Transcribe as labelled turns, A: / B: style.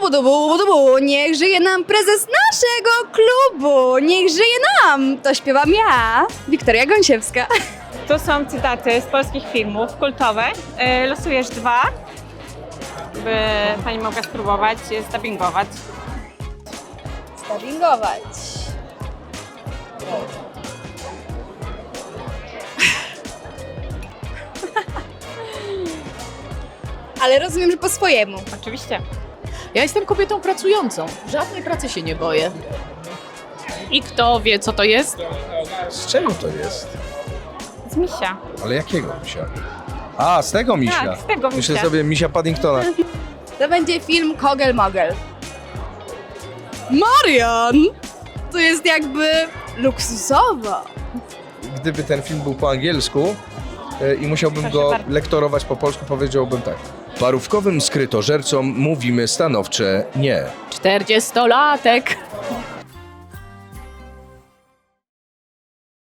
A: Budu, niech żyje nam prezes naszego klubu, niech żyje nam. To śpiewam ja, Wiktoria Gąsiewska.
B: Tu są cytaty z polskich filmów kultowych. Losujesz 2, by pani mogła spróbować zdubbingować.
A: Dubbingować. Ale rozumiem, że po swojemu.
B: Oczywiście.
C: Ja jestem kobietą pracującą. Żadnej pracy się nie boję. I kto wie, co to jest?
D: Z czego to jest?
B: Z misia.
D: Ale jakiego misia? A, z tego misia.
B: Tak, z tego
D: Myślę
B: misia.
D: sobie misia Paddingtona.
A: To będzie film Kogel Mogel. Marian! To jest jakby luksusowo.
D: Gdyby ten film był po angielsku i musiałbym
B: Proszę
D: go
B: bardzo.
D: lektorować po polsku, powiedziałbym tak. Parówkowym skrytożercom mówimy stanowcze nie.
C: 40-latek.